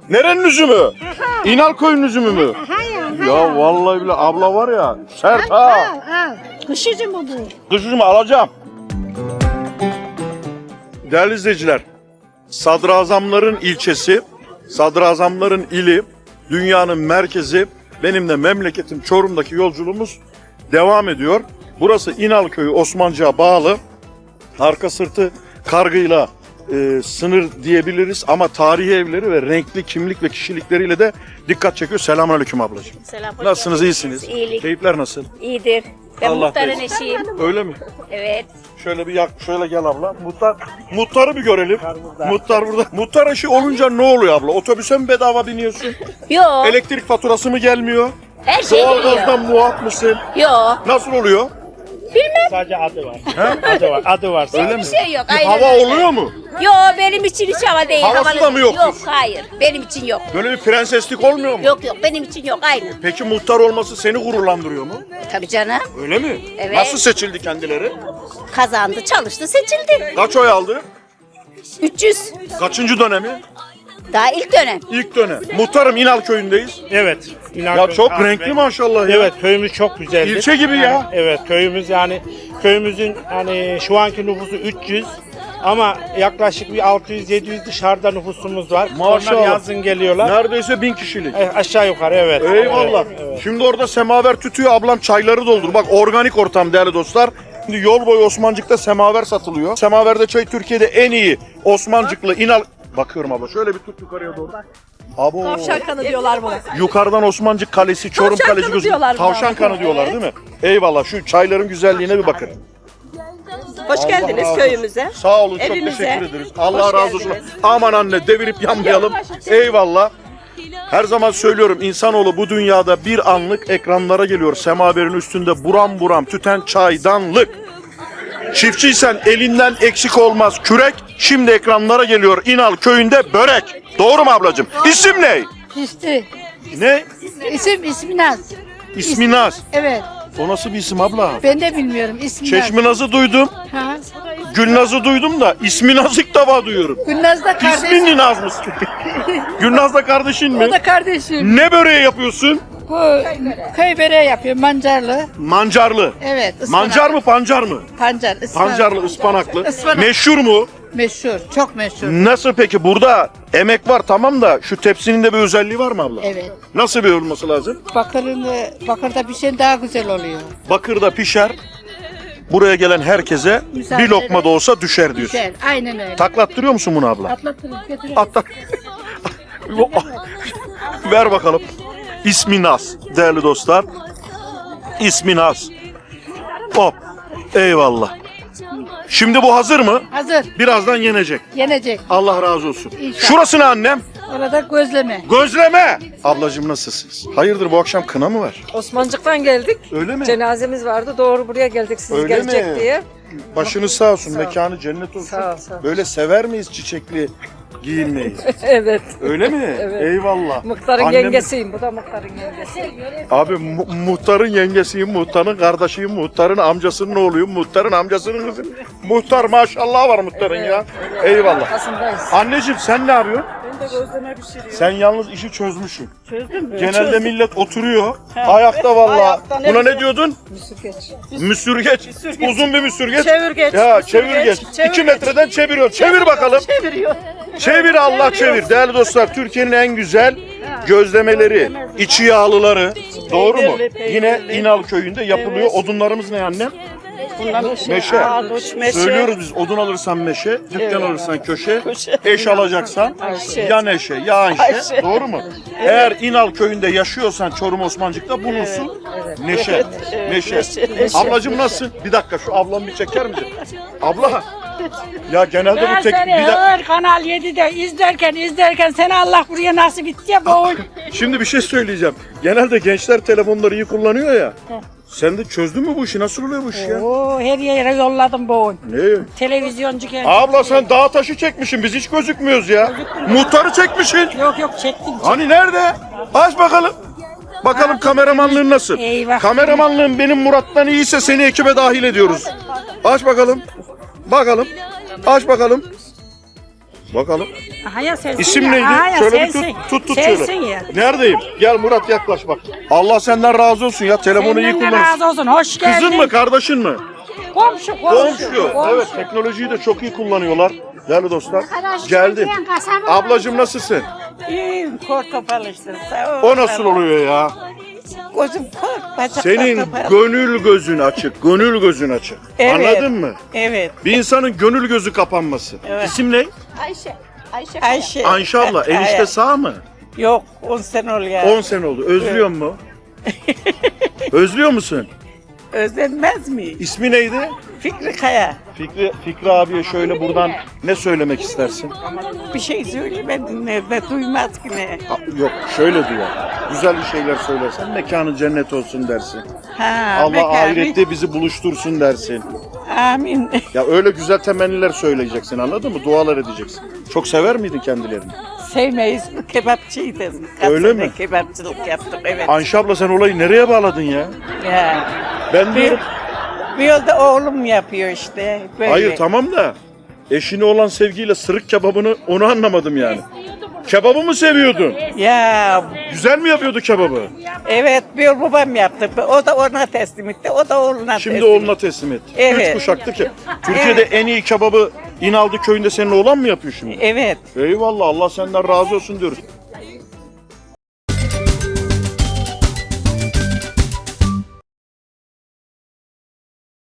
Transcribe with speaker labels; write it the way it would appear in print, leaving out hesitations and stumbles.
Speaker 1: Nerenin üzümü? İnalköy'ün üzümü mü? Ya vallahi bile abla var ya sert ha.
Speaker 2: Al. Kış üzümü bu.
Speaker 1: Kış üzümü alacağım. Değerli izleyiciler, sadrazamların ilçesi, sadrazamların ili, dünyanın merkezi, benim de memleketim Çorum'daki yolculuğumuz devam ediyor. Burası İnalköy, Osmancık'a bağlı. Arka sırtı kargıyla sınır diyebiliriz ama tarihi evleri ve renkli kimlik ve kişilikleriyle de dikkat çekiyor. Selamünaleyküm ablacığım.
Speaker 3: Selam.
Speaker 1: Nasılsınız, iyisiniz?
Speaker 3: İyilik.
Speaker 1: Keyifler nasıl?
Speaker 3: İyidir. Ben
Speaker 1: Allah
Speaker 3: muhtarın
Speaker 1: belanı.
Speaker 3: eşiyim.
Speaker 1: Öyle mi?
Speaker 3: Evet.
Speaker 1: Şöyle bir şöyle gel abla. Muhtarı bir görelim. Muhtar burada. Muhtar eşi olunca ne oluyor abla? Otobüse mi bedava biniyorsun?
Speaker 3: Yok.
Speaker 1: Elektrik faturası mı gelmiyor?
Speaker 3: Her şey
Speaker 1: Doğalgazdan
Speaker 3: geliyor.
Speaker 1: muaf mısın?
Speaker 3: Yok.
Speaker 1: Nasıl oluyor?
Speaker 4: Sadece adı var. Adı var.
Speaker 1: Öyle mi?
Speaker 3: Bir şey yok.
Speaker 1: Bir
Speaker 3: Aynen
Speaker 1: hava
Speaker 3: öyle.
Speaker 1: oluyor mu?
Speaker 3: Yok, benim için hiç hava değil.
Speaker 1: Havası
Speaker 3: Havalı
Speaker 1: da mı
Speaker 3: değil.
Speaker 1: yok?
Speaker 3: Yok, hayır. Benim için yok.
Speaker 1: Böyle bir prenseslik olmuyor mu?
Speaker 3: Yok, benim için yok. Aynı.
Speaker 1: Peki muhtar olması seni gururlandırıyor mu?
Speaker 3: Tabii canım.
Speaker 1: Öyle mi?
Speaker 3: Evet.
Speaker 1: Nasıl seçildi kendileri?
Speaker 3: Kazandı, çalıştı, seçildi.
Speaker 1: Kaç oy aldı?
Speaker 3: 300.
Speaker 1: Kaçıncı dönemi?
Speaker 3: Daha ilk dönem.
Speaker 1: İlk dönem. Muhtarım İnalköy'ündeyiz.
Speaker 4: Evet.
Speaker 1: Ya çok renkli maşallah ya.
Speaker 4: Evet, köyümüz çok güzeldir.
Speaker 1: İlçe gibi ya.
Speaker 4: Evet, köyümüz yani köyümüzün hani şu anki nüfusu 300 ama yaklaşık bir 600-700 dışarıda nüfusumuz var.
Speaker 1: Maşallah.
Speaker 4: Onlar yazın geliyorlar.
Speaker 1: Neredeyse 1000 kişilik.
Speaker 4: Aşağı yukarı evet.
Speaker 1: Eyvallah.
Speaker 4: Evet.
Speaker 1: Şimdi orada semaver tütüyor, ablam çayları doldur. Bak organik ortam değerli dostlar. Şimdi yol boyu Osmancık'ta semaver satılıyor. Semaverde çay Türkiye'de en iyi Osmancıklı İnal... Bakıyorum abla şöyle bir tut yukarıya doğru. Abo.
Speaker 2: Tavşan kanı diyorlar buna.
Speaker 1: Yukarıdan Osmancık Kalesi, Çorum
Speaker 2: Tavşan
Speaker 1: Kalesi
Speaker 2: kanı
Speaker 1: gözüküyor.
Speaker 2: diyorlar buna.
Speaker 1: Tavşan kanı diyorlar değil mi? Eyvallah. Şu çayların güzelliğine bir bakın.
Speaker 5: Hoş
Speaker 1: Allah
Speaker 5: geldiniz
Speaker 1: razı olsun.
Speaker 5: köyümüze.
Speaker 1: Sağ olun, çok
Speaker 5: Evimize.
Speaker 1: teşekkür ederiz. Allah
Speaker 5: Hoş
Speaker 1: razı olsun.
Speaker 5: geldiniz.
Speaker 1: Aman anne devirip yanmayalım. Eyvallah. Her zaman söylüyorum insanoğlu bu dünyada bir anlık ekranlara geliyor. Semaverin üstünde buram buram tüten çaydanlık. Çiftçiysen elinden eksik olmaz kürek. Şimdi ekranlara geliyor İnal köyünde börek. Doğru mu ablacığım? İsim ne?
Speaker 2: İşte
Speaker 1: Ne?
Speaker 2: ismi Naz.
Speaker 1: İsmi Naz.
Speaker 2: Evet.
Speaker 1: O nasıl bir isim abla?
Speaker 2: Ben de bilmiyorum ismi Naz.
Speaker 1: Çeşmi Naz'ı duydum.
Speaker 2: Ha.
Speaker 1: Gülnaz'ı duydum da ismi Naz ilk defa duyuyorum.
Speaker 2: Gülnaz da kardeşim.
Speaker 1: İsmin Naz mısın? Gülnaz da kardeşin mi?
Speaker 2: O da kardeşim.
Speaker 1: Ne böreği yapıyorsun?
Speaker 2: Bu köy böreği yapıyor mancarlı.
Speaker 1: Mancarlı.
Speaker 2: Evet. ıspanak.
Speaker 1: Mancar mı pancar mı?
Speaker 2: Pancar. ıspanak.
Speaker 1: Pancarlı ıspanaklı.
Speaker 2: Ispanak.
Speaker 1: Meşhur mu?
Speaker 2: Meşhur. Çok meşhur.
Speaker 1: Nasıl peki burada emek var tamam da şu tepsinin de bir özelliği var mı abla?
Speaker 2: Evet.
Speaker 1: Nasıl bir olması lazım?
Speaker 2: Bakırda pişen daha güzel oluyor.
Speaker 1: Bakırda pişer. Buraya gelen herkese
Speaker 2: Müsaade
Speaker 1: bir lokma da olsa düşer diyorsun.
Speaker 2: Güzel. Aynen öyle.
Speaker 1: Taklattırıyor musun bunu abla?
Speaker 2: Atlatırız götürürüz.
Speaker 1: Atla. Ver bakalım. İsmi Naz değerli dostlar. İsmi Naz. Hop. Eyvallah. Şimdi bu hazır mı?
Speaker 2: Hazır.
Speaker 1: Birazdan yenecek.
Speaker 2: Yenecek.
Speaker 1: Allah razı olsun.
Speaker 2: İnşallah.
Speaker 1: Şurası ne annem?
Speaker 2: Orada gözleme.
Speaker 1: Gözleme. Ablacığım nasılsınız? Hayırdır bu akşam kına mı var?
Speaker 5: Osmancık'tan geldik.
Speaker 1: Öyle mi?
Speaker 5: Cenazemiz vardı. Doğru buraya geldik siz
Speaker 1: Öyle
Speaker 5: gelecek
Speaker 1: mi?
Speaker 5: diye.
Speaker 1: Başınız sağ olsun. Mekanı cennet olsun.
Speaker 5: Sağ ol, sağ ol.
Speaker 1: Böyle sever miyiz çiçekli giyinmeyi?
Speaker 5: Evet.
Speaker 1: Öyle mi?
Speaker 5: Evet.
Speaker 1: Eyvallah.
Speaker 5: Muhtarın
Speaker 1: Annem-
Speaker 5: yengesiyim. Bu da muhtarın yengesi.
Speaker 1: Abi muhtarın yengesiyim, muhtarın kardeşiyim, muhtarın amcasının oğluyum, muhtarın amcasının kızı. Muhtar maşallah var muhtarın ya. Eyvallah.
Speaker 5: Arkasındayız.
Speaker 1: Anneciğim sen ne yapıyorsun?
Speaker 5: Ben de gözleme pişiriyorum.
Speaker 1: Sen yalnız işi çözmüşsün.
Speaker 5: Çözdün mü?
Speaker 1: Genelde millet oturuyor. Ayakta vallahi.
Speaker 5: Ayakta ne
Speaker 1: Buna ne
Speaker 5: güzel.
Speaker 1: diyordun?
Speaker 5: Müsürgeç.
Speaker 1: Müsürgeç. Uzun bir müsürgeç.
Speaker 5: Çevirgeç.
Speaker 1: Ya
Speaker 5: müsürgeç,
Speaker 1: çevirgeç. 2 metreden çeviriyor. Çevir bakalım.
Speaker 5: Çeviriyor.
Speaker 1: Çevir Allah çevir. Değerli dostlar Türkiye'nin en güzel gözlemeleri, içi yağlıları. Doğru mu?
Speaker 5: Peynirli.
Speaker 1: Yine İnal köyünde yapılıyor. Odunlarımız ne annem?
Speaker 5: Bunlar
Speaker 1: Meşe.
Speaker 5: Arduç, meşe.
Speaker 1: Söylüyoruz biz odun alırsan meşe, dükkan alırsan köşe,
Speaker 5: Köşe.
Speaker 1: eş alacaksan
Speaker 5: Ayşe.
Speaker 1: ya neşe ya Ayşe.
Speaker 5: Ayşe.
Speaker 1: Doğru mu? Eğer İnal köyünde yaşıyorsan Çorum Osmancık'ta bulunsun neşe. Neşe.
Speaker 5: neşe.
Speaker 1: Ablacığım nasılsın? Bir dakika şu ablamı bir çeker misin? Abla. Ya genelde bu
Speaker 2: Ben
Speaker 1: tek...
Speaker 2: seni hır Kanal 7'de izlerken seni Allah buraya nasip etti ya boğun.
Speaker 1: Şimdi bir şey söyleyeceğim. Genelde gençler telefonları iyi kullanıyor ya. Sen de çözdün mü bu işi? Nasıl oluyor bu iş ya?
Speaker 2: Oo, her yere yolladım boğun.
Speaker 1: Ne?
Speaker 2: Televizyoncu geldi.
Speaker 1: Abla sen dağ taşı çekmişsin. Biz hiç gözükmüyoruz ya. Muhtarı çekmişsin.
Speaker 2: Yok çektim.
Speaker 1: Hani nerede? Aç bakalım. Bakalım kameramanlığın nasıl?
Speaker 2: Eyvah.
Speaker 1: Kameramanlığın benim Murat'tan iyiyse seni ekibe dahil ediyoruz. Aç bakalım. Bakalım. Aç bakalım. Bakalım.
Speaker 2: Aha ya sensin
Speaker 1: İsim
Speaker 2: ya.
Speaker 1: neydi?
Speaker 2: Aha ya
Speaker 1: Şöyle bir
Speaker 2: sensin.
Speaker 1: tut
Speaker 2: Sensin
Speaker 1: şöyle.
Speaker 2: ya.
Speaker 1: Neredeyim? Gel Murat yaklaş bak. Allah senden razı olsun ya. Telefonu iyi
Speaker 2: Senden de
Speaker 1: kullanırsın.
Speaker 2: razı olsun. Hoş geldin.
Speaker 1: Kızın mı kardeşin mi?
Speaker 2: Komşu.
Speaker 1: Komşu. Evet, teknolojiyi de çok iyi kullanıyorlar. Değerli dostlar. Geldi. Ablacığım nasılsın?
Speaker 2: İyiyim. Kor topal işte. Sağ ol.
Speaker 1: O nasıl oluyor ya?
Speaker 2: Gözüm kor. Bacaklar
Speaker 1: Senin
Speaker 2: topal.
Speaker 1: gönül gözün açık. Gönül gözün açık.
Speaker 2: Evet.
Speaker 1: Anladın mı?
Speaker 2: Evet.
Speaker 1: Bir insanın gönül gözü kapanması.
Speaker 2: Evet.
Speaker 1: İsim ne?
Speaker 2: Ayşe.
Speaker 1: Ayşe abla. Enişte sağ mı?
Speaker 2: Yok 10 sene oluyor.
Speaker 1: 10 sene oldu. Özlüyor mu? Özlüyor musun?
Speaker 2: Özlenmez mi?
Speaker 1: İsmi neydi?
Speaker 2: Fikri Kaya.
Speaker 1: Fikri abiye şöyle buradan ne söylemek istersin?
Speaker 2: Bir şey söylemedin nerede duymaz ki ne?
Speaker 1: Yok şöyle diyor. Güzel bir şeyler söylersen mekanı cennet olsun dersin.
Speaker 2: Ha,
Speaker 1: Allah
Speaker 2: bekar,
Speaker 1: ahirette bizi buluştursun dersin.
Speaker 2: Amin.
Speaker 1: Ya öyle güzel temenniler söyleyeceksin, anladın mı? Dualar edeceksin. Çok sever miydin kendilerini?
Speaker 2: Sevmeyiz, kebapçıydım.
Speaker 1: Öyle mi?
Speaker 2: Kebapçılık yaptım, evet.
Speaker 1: Ayşe abla sen olayı nereye bağladın ya?
Speaker 2: Ya.
Speaker 1: Ben diyorum.
Speaker 2: Bir yolda oğlum yapıyor işte. Böyle.
Speaker 1: Hayır tamam da eşine olan sevgiyle sırık kebabını onu anlamadım yani. Kebabı mı seviyordun?
Speaker 2: Ya
Speaker 1: Güzel mi yapıyordu kebabı?
Speaker 2: evet bir yol babam yaptı. O da ona teslim etti. O da oğluna
Speaker 1: Şimdi
Speaker 2: teslim
Speaker 1: oğluna teslim etti.
Speaker 2: Evet.
Speaker 1: 3 kuşaktı ki. Türkiye'de en iyi kebabı İnaldı köyünde senin oğlan mı yapıyor şimdi?
Speaker 2: Evet.
Speaker 1: Eyvallah, Allah senden razı olsun diyoruz.